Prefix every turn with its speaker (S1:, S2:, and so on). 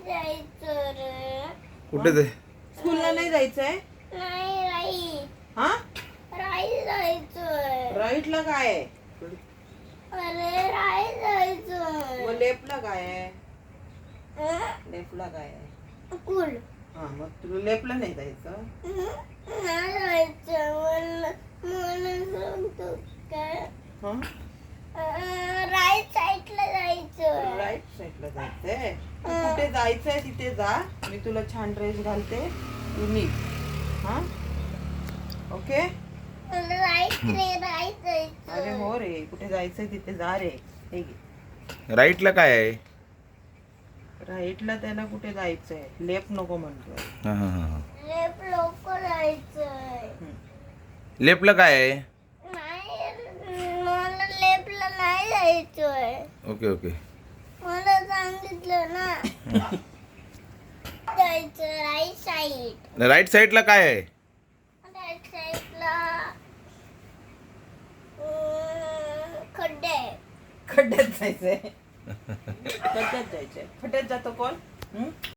S1: जायचं रे.
S2: कुठे ते
S3: स्कूलला नाही जायचंय?
S1: नाही
S3: हा
S1: जायचंय.
S3: राईटला काय आहे?
S1: अरे जायचंय.
S3: मग लेफ्टला काय आहे? लेफ्टला काय आहे?
S1: कुल
S3: हा मग तुला लेफ्टला नाही जायचं?
S1: नाही जायचं. मला सांगतो काय
S3: हा
S1: राईट साईडला जायचं.
S3: राईट साईडला जायचंय. तू कुठे जायचंय तिथे जा. मी तुला छान ड्रेस घालते, तू निघ. हा ओके.
S1: मला राईट जायचं.
S3: अरे हो रे, कुठे जायचंय तिथे जा रे. हे घे.
S2: राईटला काय आहे?
S3: राईटला त्याला कुठे जायचंय, लेफ्ट नको म्हणतोय.
S2: हां हां हां
S1: लेफ्ट लोक जायचंय.
S2: लेफ्टला काय आहे?
S1: नाही मला लेफ्टला नाही जायचंय.
S2: Okay okay.
S1: मला सांगितलं ना जायचं राईट साईड.
S2: राईट साईडला काय आहे?
S1: राईट साईडला खड्डे.
S3: खड्ड्यात जायचंय. खड्ड्यात जायचंय. खड्ड्यात जातो कोण?